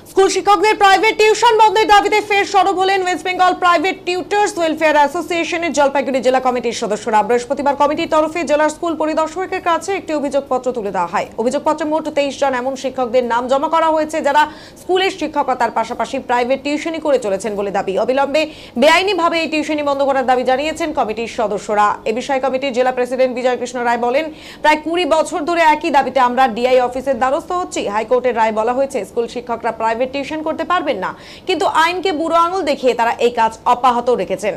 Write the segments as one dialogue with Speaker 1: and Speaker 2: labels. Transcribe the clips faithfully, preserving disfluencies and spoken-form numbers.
Speaker 1: School শিক্ষকদের private tuition বন্ধের দাবিতে ফের সরব হলেন West Bengal private tutors welfare অ্যাসোসিয়েশনের জলপাইগুড়ি জেলা কমিটির সদস্যরা। বৃহস্পতিবার কমিটির তরফে জেলার স্কুল পরিদর্শকের কাছে একটি অভিযোগপত্র তুলে দেওয়া হয়। অভিযোগপত্রে মোট তেইশ জন এমন শিক্ষকদের নাম জমা করা হয়েছে যারা স্কুলের শিক্ষকতার পাশাপাশি প্রাইভেট টিউশনি করে চলেছেন বলে দাবি। অবিলম্বে বেআইনিভাবে এই টিউশনি বন্ধ করার দাবি জানিয়েছেন কমিটির সদস্যরা। এ বিষয়ে কমিটির জেলা প্রেসিডেন্ট বিজয় কৃষ্ণ রায় বলেন, প্রায় কুড়ি বছর ধরে একই দাবিতে আমরা ডিআই অফিসের দ্বারস্থ হচ্ছি। হাইকোর্টের রায় বলা হয়েছে স্কুল শিক্ষকরা প্রাইভেট টিউশন করতে পারবেন না, কিন্তু আইনকে বুড়ো আঙুল দেখিয়ে তারা এই কাজ অব্যাহত রেখেছেন।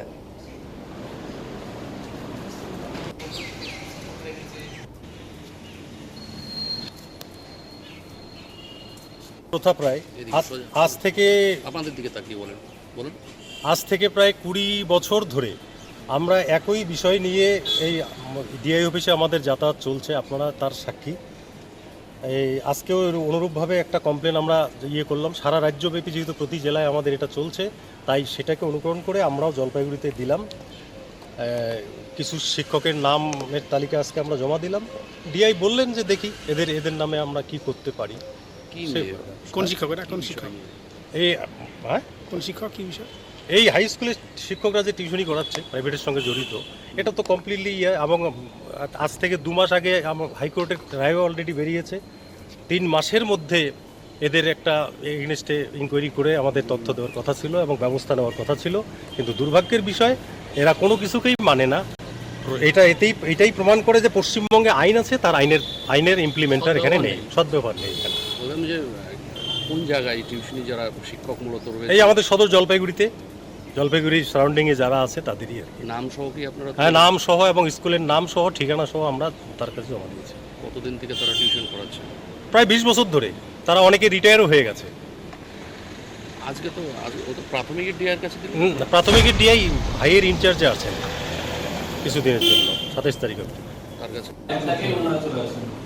Speaker 2: প্রথা প্রায় আজ থেকে
Speaker 3: আপনাদের দিকে তাকিয়ে বলেন বলুন
Speaker 2: আজ থেকে প্রায় কুড়ি বছর ধরে আমরা একই বিষয় নিয়ে এই ডিআই অফিসে আমাদের যাতায়াত চলছে, আপনারা তার সাক্ষী। এই আজকেও অনুরূপভাবে একটা কমপ্লেন আমরা ইয়ে করলাম। সারা রাজ্যব্যাপী যেহেতু প্রতি জেলায় আমাদের এটা চলছে, তাই সেটাকে অনুকরণ করে আমরাও জলপাইগুড়িতে দিলাম। কিছু শিক্ষকের নামের তালিকা আজকে আমরা জমা দিলাম। ডিআই বললেন যে দেখি এদের এদের নামে আমরা কি করতে পারি।
Speaker 4: কোন শিক্ষক এটা কোন শিক্ষক
Speaker 2: এই হ্যাঁ
Speaker 4: কোন শিক্ষক কি বিষয়?
Speaker 2: এই হাই স্কুলের শিক্ষকরা যে টিউশনি করাচ্ছে প্রাইভেটের সঙ্গে জড়িত, এটা তো কমপ্লিটলি ইয়ে। এবং আজ থেকে দু মাস আগে হাইকোর্টের রায় অলরেডি বেরিয়েছে। তিন মাসের মধ্যে এদের একটা এগেনস্টে ইনকোয়ারি করে আমাদের তথ্য দেওয়ার কথা ছিল এবং ব্যবস্থা নেওয়ার কথা ছিল, কিন্তু দুর্ভাগ্যের বিষয় এরা কোনো কিছুকেই মানে না। এটা এতেই এটাই প্রমাণ করে যে পশ্চিমবঙ্গে আইন আছে, তার আইনের আইনের ইমপ্লিমেন্টার এখানে নেই, সদ্ব্যবহার নেই এখানে।
Speaker 3: বললাম যে কোন জায়গায় টিউশনি যারা শিক্ষক মূলত রয়েছে?
Speaker 2: এই আমাদের সদর জলপাইগুড়িতে, জলপাইগুড়ি সারাউন্ডিংয়ে যারা আছে তাদেরই আর কি।
Speaker 3: নাম সহ কি আপনারা?
Speaker 2: হ্যাঁ, নাম সহ এবং স্কুলের নাম সহ ঠিকানা সহ আমরা তার কাছে জমা দিয়েছি।
Speaker 3: কতদিন থেকে তারা টিউশন করাচ্ছে?
Speaker 2: প্রায় বিশ বছর ধরে। তারা অনেকে রিটায়ারও হয়ে গেছে।
Speaker 3: আজকে তো ও তো প্রাথমিকের ডিআইয়ের কাছে দিল।
Speaker 2: প্রাথমিকের ডিআই ভাইয়ের ইনচার্জে আছেন কিছুদিনের জন্য, সাতাইশ তারিখ অবধি।
Speaker 3: তার কাছে